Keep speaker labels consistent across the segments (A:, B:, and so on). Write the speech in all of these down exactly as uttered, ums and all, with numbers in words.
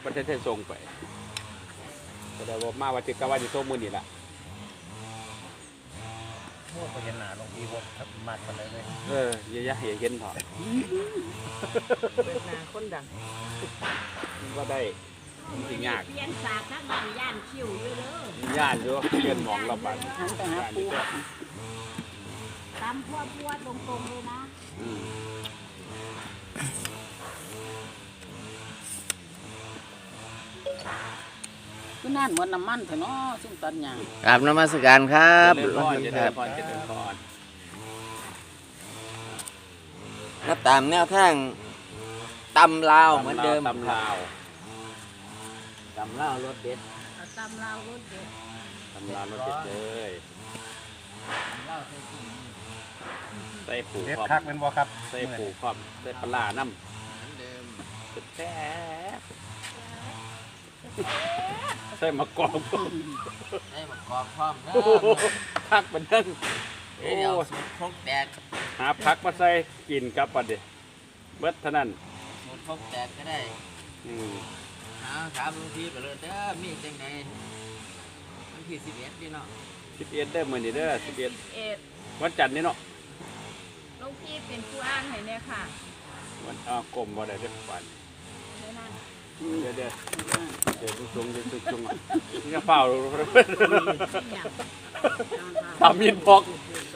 A: ประเทศไทยส่งไปแต่ได้บอกมาว่าจะกว่าจะส่งมือนี่ละ
B: โม่ไปเห็นหนาลงอีบดมัดมาเลยเลย
A: เออเยอะๆเห็นเห็นพอ
C: เปิดหน้าคนดัง
A: ว่าได้จริงยาก
D: เปลี่ยนสากทั้งบ้านย่านคิวอยู่เด้
A: ย่านอยู่เพื่อนมองเราบัด
C: หันไปหาปู
D: ตามพวดพวดตรงๆเลยนะ
A: อืม
C: คือนั่นหมดน้ำมันเถอะเนาะซุ่มตัดหญ้าก
E: ราบนมัสการครับ
A: เจริญพรเจ
E: ค
A: ริ
E: รั
A: ญ
E: บ
A: พรเจริญพร
E: ก็ตามแนวทางตำลาวเหมือนเดิม
A: ตำลาว
E: ตำลาวรสเด็ด
D: เอาตำราวรถเด็ด
A: ตำลาวรสเด็ดเลยใส่ผู
B: เด็ด
A: ครอบ
B: คักเป็นบ่ครับ
A: ใส่ผูครอบใส่ปลาน้ำแซ่บใส่มะกอก
E: ได้มากรอบพร้อมนะ
A: พักมันนั่งโอ้
E: เดี๋ยวสูตรครกแตก
A: หาพักมาใส่กินกับปัดเดเบิดเท่านั้น
E: สูตรครกแตกก็ได้
A: อืม
E: หาถามลุงพี่ไปเลยเด้อมีจังไดวันที่สิบเอ็ดนี่เนาะ
A: สิบเอ็ดเด้อมื้อนี้เด้อสิบเอ็ด
D: เอ็ด
A: วันจันทร์นี่เนาะ
D: ลูกพี่เป็นผู้อ้างให้เนี่ยค่ะ
A: วันอ้าวกลมบ่ได้เด้อปัน
D: เท่านั้น
A: เดี๋ยวเดี๋ยวเดี๋ยวทุกชงเดี๋ยวทุกชงนี่ก็เฝ้า ทำยินพอก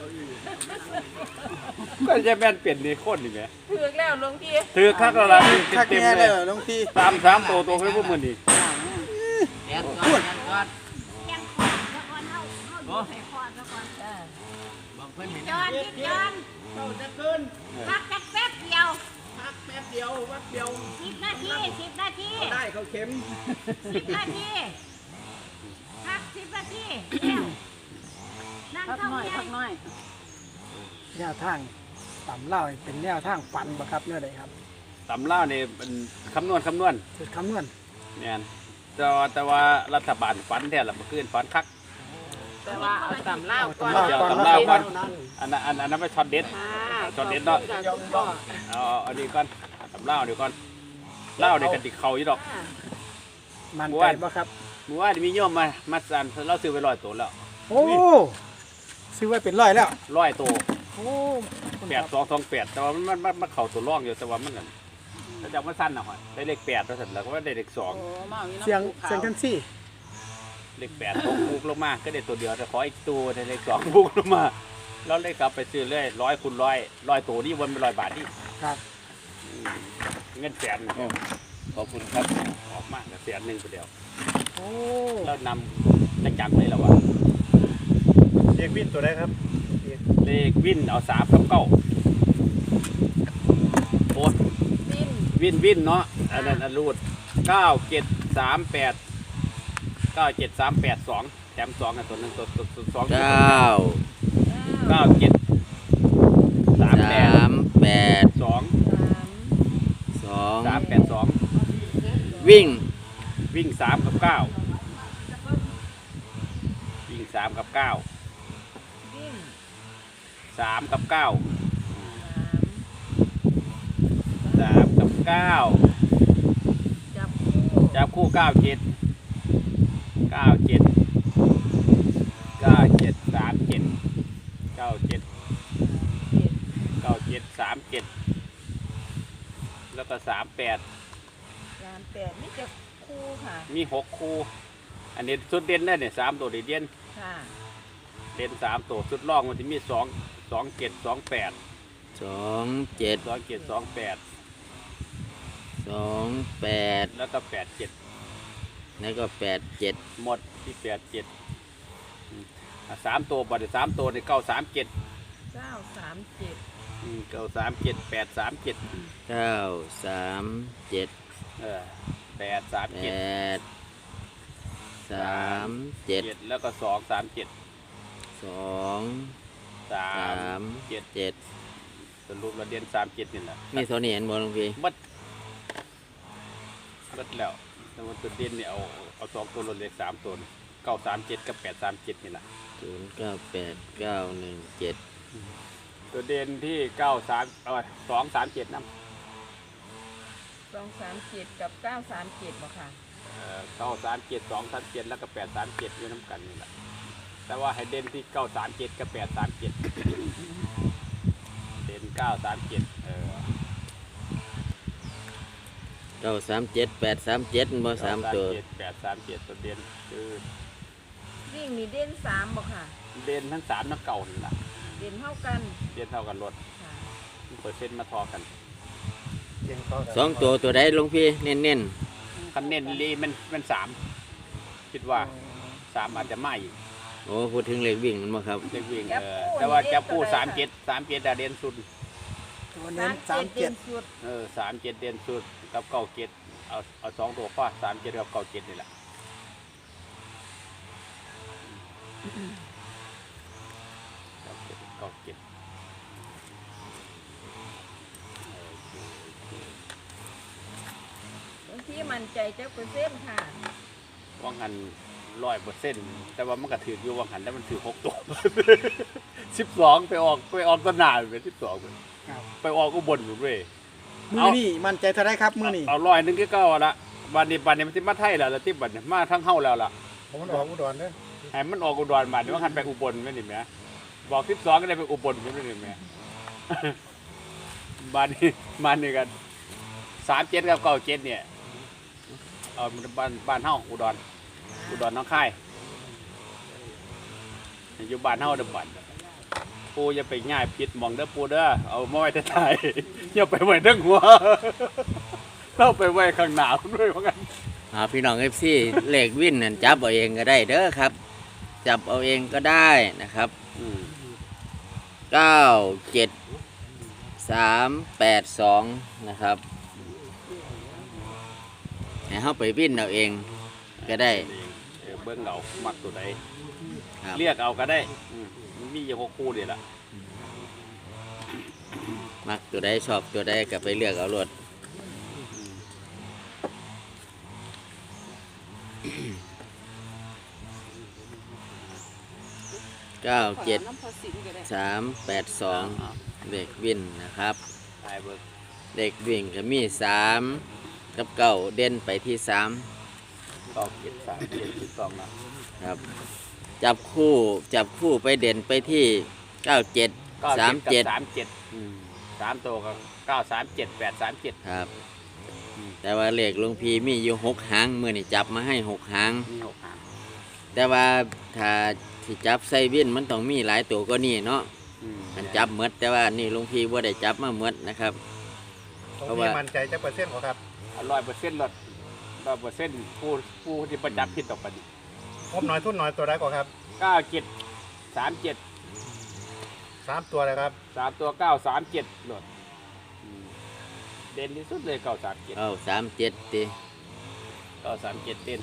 A: ก็จะแม่นเปลี่ยนนี่คนนี่แหม
D: ถือแล้วลุงพี่
A: ถือคักแล้วล่ะเต็มๆเลย
B: น้องพี่
A: ตามสามตัวตัวให้พวกมื้อนี้
E: แตกก่อนแตกก่อน
D: ยังขอดซะก่อนเฮาเฮาอยู่ให้ขอดซะก่อนเออ
E: บอกเพิ่นเห็น
D: จอนคิดจอน
B: เราจะขึ้น
D: พักจักแป๊บเดียว
B: พักแป๊บเดียวแป๊บเดียว
D: สิบนาทีสิบนาที
B: ได้เขาเข็ม
D: สิบนาทีพักสิบนาทีแล้วนั่ง
C: พัก
D: เท่า
C: น้อย
D: ไห
C: พั
D: ร่
C: กน้อย
F: แนวทางต่ำเล่าเป็นแนวทางฝันบ่ครับเนี่ยใดครับ
A: ตำล่านี่เป็นคำนวณคำนวณ
F: จุดคำนวณ
A: แม่นแต่ว่าแต่ว่ารัฐบาลฝันแท้ละเมื่อคืนฝันคัก
C: แต่ว่าเอาตำเล่าวก่อน
A: เดี๋ยวตำลาวก่อน อันนั้นอันอันนั้นไม่ช็อตเด็ด ช็อตเด็ดเนาะ เอาเอาอันนี้ก่อนตำล่าวเดี๋ยวก่อนเล่าวเดี๋ยวกันติเขาอยู่ดอก
F: มันใจบ่ครับ
A: เมื่อวานมีโยมมามาสั่นเราซื้อไปร้อยตัวแล้ว
F: โอ้ซื้อไว้เป็นร้อยแล้ว
A: ร้อยตัว
F: โอ้
A: แปดสองสองแปดแต่ว่ามันมันมันเข่าตัวร่องอยู่แต่ว่ามันนั่นถ้าจะมันสั้นหน่อยได้เลขแปดแล้วเสร็จแล้วก็ได้เลขสอง
C: โอ้มาอาน้ำ
F: เสียง
C: ปูขาว
F: เสียงทันซี่
A: เลขแปดตกบุกลงมาก็ได้ตัวเดียวแต่ขออีกตัวได้เลขสองบุกลงมาแล้วเลขกลับไปซื้อเรื่อยร้อยคูณร้อยร้อยตัวนี่วันเป็นร้อยบาทนี่
F: ครับ
A: อืมเงินแสนหนึ่ง
E: ขอบคุณครับ
A: ออกมาแสนหนึ่งไปเดียว
F: โอ้
A: แล้วนำจะจับเลยแล้ววะ
B: เรียกวินตัวได้ครับ
A: เลขวินเอาสามกับเก้าโอ้
D: ดิ้น
A: วินวินเนาะอันนั้นอันรูดเก้าเจ็ดสามแปดเก้าเจ็ดสามแปดสองแถมสองกันตัวหนึ่งตัวตัวตัวสอง
E: เก้า
A: เก้าเจ็ดสามแป
E: สา
A: ด
E: มแปด
A: สอง
E: สอง
A: สามแปดสอง
E: วิ่ง
A: วิ่งสามกับเก้าวิ่งสามกับเก้า
D: ดิ้น
A: สามกับเก้าสามกับเก้า
D: จับคู่
A: จับคู่เก้าเจ็ดเก้าเจ็ดเก้าเจ็ดสามเจ็ดเก้าเจ็ดเก้าเจ็ดสามเจ็ดแล้วก็สามแปด
D: สามแปดนี่จะคู่ค่ะ
A: มีหกคู่อันนี้สุดเด่นได้เนี่ยสามตัวเด่น
D: ค่ะ
A: เด่นสามตัวสุดล่องมันจะมีสองสองเจ็ดสองแปด
E: สองเจ็ด
A: สองเจ็ดสองแปด
E: สองแปด
A: แล้วก็แปดเจ็ด
E: แล้วก็แปดเจ็ด
A: หมดที่แปดเจ็ดสามตัวบัดสามตัวในเก้าสามเจ็ด
D: เก้าสามเจ็ด
A: เก้าสามเจ็ดแปดสามเจ็ด
E: เก้าสามเจ็ด
A: เออแปดสาม
E: แป
A: เจ็ด
E: ดสามเจ็ด
A: เจ็ดแล้วก็สองสามเจ็ด
E: สอง
A: สา
E: สาม ม
A: เจ็ด
E: เจ็ด
A: สรุปเราเรียนสามเจ็ดนี่แหละ
E: มีเท่านี้เห็นบ่หลวงพี่
A: มัดมัดแล้วแต่ว่าตัวเด่นเนี่ยเอาเอาสองตัวลดเหล็กสามตัวเก้าสามเจ็ดกับแปดสามเจ็ดนี่แหละ
E: ศูนย์เก้าแปดเก้าหนึ่งเจ็ด
A: ตัวเด่นที่เก้าสามเออสองสามเจ็ดนั่น
D: สองสามเจ็ดกับเก้าสามเจ็ดบ่ค่ะ
A: เก้าสามเจ็ดสองสามเจ็ดแล้วก็แปดสามเจ็ดอยู่น้ำกันนี่แหละแต่ว่าให้เด่นที่เก้าสามเจ็ดกับแปดสามเจ็ดเด่นเก้าสามเจ็ดเออ
E: เก้าสามเจ็ดแปดสามเจ็ดบ่สามตัว
A: เจ็ดแปดสามเจ็ดตัวเด่นคือ
D: วิ่งมีเด่นสามบ่ค่ะ
A: เด่นทั้งสามทั้งเก่านี่แหละ
D: เด่นเท่ากัน
A: เด่นเท่ากันรถ
D: ค่ะ
A: เปอร์เซ็นต์มาทอกัน
B: เก่งเขา
E: สองตัวตัวใดหลวงพี่เน้น
A: คันเน้นลีมันมันสามคิดว่าสามอาจจะไม่อีก
E: ๆโอ้พูดถึงเลขวิ่งมันบ่ครับ
A: เด็กวิ่งเออแต่ว่าจะพูดสามเจ็ดสามเจ็ดเด่นสุด
F: ตัวเน้นสามเจ็ด
D: ด่นสุด
A: เออสามเจ็ดเด่นสุดกับเก้าเจ็ดเอาเอาสองตัวฟาดสามเจ็ดกับเก้าเจ็ดนี่แหละเก้าเจ็ดเก้าเจ็ด
D: บางทีมั่นใจเจ้าเปอร์เซ็นต์ค่ะ
A: ว่างหันร้อยเปอร์เซ็นต์แต่ว่ามันก็ถืออยู่ว่างหันแล้วมันถือหกตัว สิบสองไปออกไปออกตนาเป็นสิบสอง
F: ครับ
A: ไปออกอุบลอยู่เว้ย
F: มือนี่มันใจเท่าไรครับมือนี่
A: เอาร้อยหนึงก็เก้าละวันนี้วันนี้มันสิมาไทยแล้วแล้วที่บัดนี้มาทั้งเฮาแล้วล่ะ
B: ผมมันออกอุดรเด้อ
A: ให้มันออกอุดรบัดนี้ว่าหันไปอุบลไม่นี่แหมบอกสิบสองก็ได้ไปอุบลไม่นี่แหม บ้านนี้บ้านนี้กันสามเจ็ดกับเก้าเจ็ดเนี่ยเอาบ้านบ้านเฮาอุดรอุดรน้องค่ายอยู่บ้านเฮาเดิมบัดปูอย่าไปง่ายผิดหมองเด้อปูเด้อเอามาไว้ท้ายๆอย่าไปไว้ทั้งหัว เราไปไว้ข้างหน้าด้วยเพราะงั้น
E: อ่าพี่น้อง เอฟ ซี เลขวิ่นนั่นจับเอาเองก็ได้เด้อครับ จับเอาเองก็ได้นะครับ
A: อืม
E: เก้าเจ็ดสามแปดสองนะครับให้เฮาไปวิ่นเอาเองก็ได้
A: เออเบิ้งเอามักตัวใด
E: ครับ
A: เรียกเอาก็ได้อืมมีอยู่หกคู่เดียวละ
E: มักตัวใดชอบตัวใดก็ไปเลือกเอารถเก้าเจ็ดสามแปดสองเด็กวิ่นนะครับ
A: ตายเบิ้ง
E: เด็กวิ่งก็มีสามกับเก้าเด่นไปที่สาม
A: สองเจ็ดสามเจ็ดสิบสองนะครับ
E: จับคู่จับคู่ไปเด่นไปที่เก้าเจ็ด
A: เก้า
E: สาม
A: เจ็
E: เจ็
A: ด
E: ด
A: สามเจ็ดอืมสามตัวก็เก้าสามเจ็ดแปดสามเจ็ด
E: ครับ แต่ว่าเลขหลวงพีมีอยู่หกหางมือนี่จับมาให้หกหาง
A: มีหกหาง
E: แต่ว่าถ้าที่จับใส่วินมันต้องมีหลายตัวก็นี่เนาะ
A: อืม
E: มันจับหมดแต่ว่านี่หลวงพีว่าได้จับมาหมดนะครับ
B: ผม
E: เพราะ
B: มี
E: ว่า
B: มันใจจะเปอร์เซ็นต์กว่าครับ
A: ร้อยเปอร์เซ็นต์ลดร้อยเปอร์เซ็นต์ผู้ผู้ที่ประจับผิดต่อไป
B: งบน้อยทุนน้อยตัวได้กว่าครับ
A: เก้าเจ็ดสามเจ็ด
B: สามตัวเลยครับ
A: สามตัวเก้าสามเจ็ดลดอืมเด่นที่สุดเลยเก้าสามเจ็ด
E: เก้าสามเจ็ดตี
A: เก้าสามเจ็ดเด่น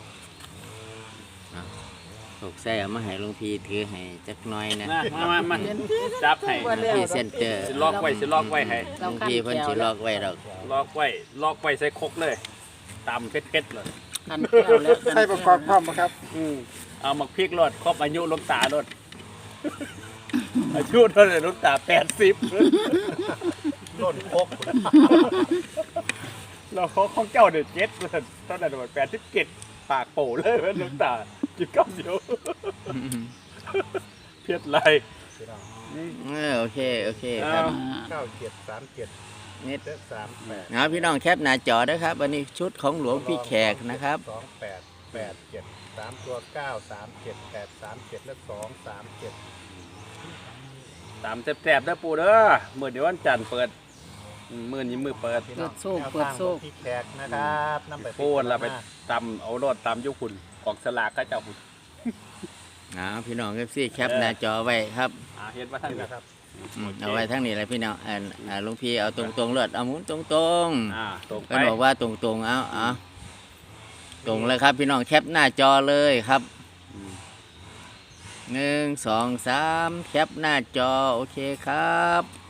E: ถูกใส่เอามาให้หลวงพีถือให้จักหน้อยนะ
A: นะมามามาจับให้
E: หลวงพีเซนเตอร์
A: สิล็อกไว้สิล็อกไว้ให้
E: หลวงพีเพิ่นสิลอกไว้ดอก
A: ล็อกไว้ล็อกไว้ใส่ครกเลยตำเผ็ดๆเลย
C: กันแก้วแล้วกัน
F: ใส่ประกอบพร้อมบ่ครับ
A: อืมเอามาพริกรดครบอายุหลูกตาลด อายุเท่าไหร่หลูกตาแปดสิบ
B: ล้นโคก
A: เราเขาของเจ้าเด็ดเจ็ดเท่าไหร่หมดแปดสิบเจ็ดปากโป่เลยหลูกตากินข้าวเดียวเพียดไร
E: เออโอเคโอเคครับ
B: เก้าเจ็ดสามเจ็ด
E: นิด
B: เจ็ดสามแปด
E: เอาพี่น้องแคปหน้าจอด้วยครับอันนี้ชุดของหลวงพี่แขกนะครับ
B: สองแปดแปดเจ็ดสามตัวเก้าสามเจ็ดแปดสามเจ็ดและสองสามเจ็ด
A: ตามแสบๆนะปูเด้อมื่อเดี๋ยววันจันทร์เปิดอืมมื่อนี้มือเปิด
F: เปิดโซ่เปิดโซ่
B: พี่แขกนะครับนำไป
A: ปูนเราไปตำเอารถตำยุคุณกองสลากก็เจ้าคุณ
E: เอาพี่น้องเอฟซีแคปหน้าจอไว้ครับ
A: อ่าเห็นว่าท่าน
B: นี่
A: นะ
B: นะครับ
E: อืมเอาไว้ทั้งนี้เลยพี่น้องอ่าอ่าหลุงพี่เอาตรงตรงๆเลือดเอาหมุนตรงตรง
A: อ่าตรง
E: ๆ
A: ไป
E: เพิ่นบอกว่าตรงตรงๆเอาเอาตรงเลยครับพี่น้องแคปหน้าจอเลยครับ
A: อืม
E: หนึ่งสองสามแคปหน้าจอโอเคครับ